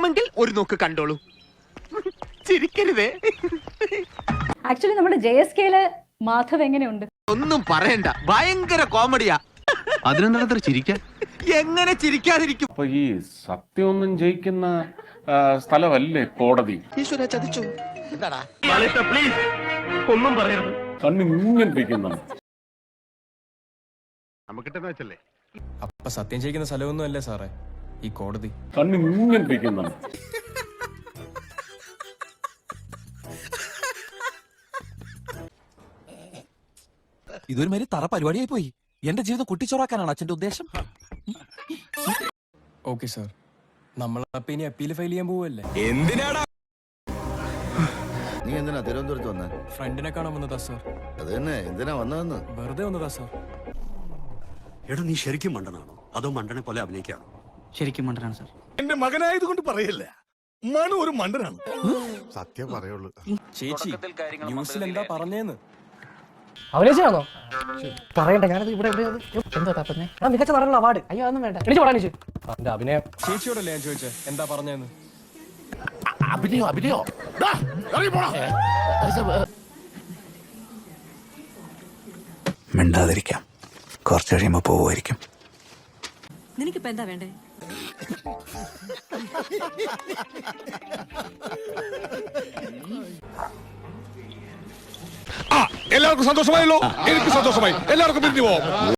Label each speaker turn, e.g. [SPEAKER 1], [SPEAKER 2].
[SPEAKER 1] വേണമെങ്കിൽ ഒരു നോക്ക് കണ്ടോളൂ. ചിരിക്കരുതേ.
[SPEAKER 2] ആക്ച്വലി നമ്മുടെ JSKയിലെ മാധവ് എങ്ങനെയുണ്ട്?
[SPEAKER 1] ഒന്നും പറയണ്ട, ഭയങ്കര കോമഡിയാ.
[SPEAKER 3] അതിനെന്താ ചിരിക്കാൻ?
[SPEAKER 1] എങ്ങനെ ചിരിക്കാതിരിക്കും?
[SPEAKER 4] അപ്പൊ ഈ സത്യമൊന്നും ജയിക്കുന്ന സ്ഥലമല്ലേ കോടതി?
[SPEAKER 1] ഈശ്വര ചതിച്ചു. എന്താടാ
[SPEAKER 3] പ്ലീസ് ഒന്നും പറയരുത്.
[SPEAKER 4] കണ്ണിങ്ങനെ
[SPEAKER 3] നമുക്കിട്ടെന്ന് വെച്ചല്ലേ.
[SPEAKER 5] അപ്പൊ സത്യം ചെയ്യിക്കുന്ന സ്ഥലമൊന്നും അല്ലേ സാറേ ഈ കോടതി?
[SPEAKER 4] കണ്ണിങ്ങനെ
[SPEAKER 6] ഇതൊരു മാതിരി തറ പരിപാടിയായി പോയി. എന്റെ ജീവിതം കുട്ടിച്ചോറാക്കാനാണ് അച്ഛന്റെ ഉദ്ദേശം.
[SPEAKER 5] ഓക്കെ സാർ, നമ്മൾ അപ്പൊ ഇനി അപ്പീൽ ഫയൽ ചെയ്യാൻ പോവല്ലേ?
[SPEAKER 6] എന്തിനാടാ
[SPEAKER 7] നീ എന്തിനാ തിരുവനന്തപുരത്ത് വന്നേ?
[SPEAKER 5] ഫ്രണ്ടിനെ കാണാൻ വന്നതാ സാർ.
[SPEAKER 7] അത് തന്നെ, എന്തിനാ വന്നതെന്ന്?
[SPEAKER 5] വെറുതെ വന്നതാ സാർ.
[SPEAKER 8] എടാ, നീ ശരിക്കും മണ്ടനാണോ അതോ മണ്ടനെ പോലെ അഭിനയിക്കാണോ?
[SPEAKER 9] ശരിക്കും മണ്ടനാണ് സാർ.
[SPEAKER 8] എന്റെ മകനായതുകൊണ്ട് പറയല്ല, മനു ഒരു മണ്ടനാണ്.
[SPEAKER 3] സത്യം പറയുള്ളൂ.
[SPEAKER 5] ചേച്ചി ന്യൂസിൽ എന്താ പറഞ്ഞേന്ന്?
[SPEAKER 9] അഭിനയിച്ചാണോ പറയണ്ട, ഞാനത് ഇവിടെ എന്താ തപ്പന്നെ? മികച്ച നടനുള്ള അവാർഡ്. അയ്യോ അതൊന്നും വേണ്ട, എനിക്ക് പറയാനിച്ചു എന്റെ അഭിനയം.
[SPEAKER 5] ചേച്ചിയോടല്ലേ ഞാൻ ചോദിച്ചേ എന്താ പറഞ്ഞേന്ന്?
[SPEAKER 8] അഭിനയോ
[SPEAKER 6] മിണ്ടാതിരിക്കാം, കുറച്ച് കഴിയുമ്പോ പോവുമായിരിക്കും.
[SPEAKER 2] നിനക്കിപ്പോ എന്താ വേണ്ടേ?
[SPEAKER 8] എല്ലാവർക്കും സന്തോഷമായല്ലോ. എനിക്ക് സന്തോഷമായി. എല്ലാവർക്കും പിരിഞ്ഞു പോവാം.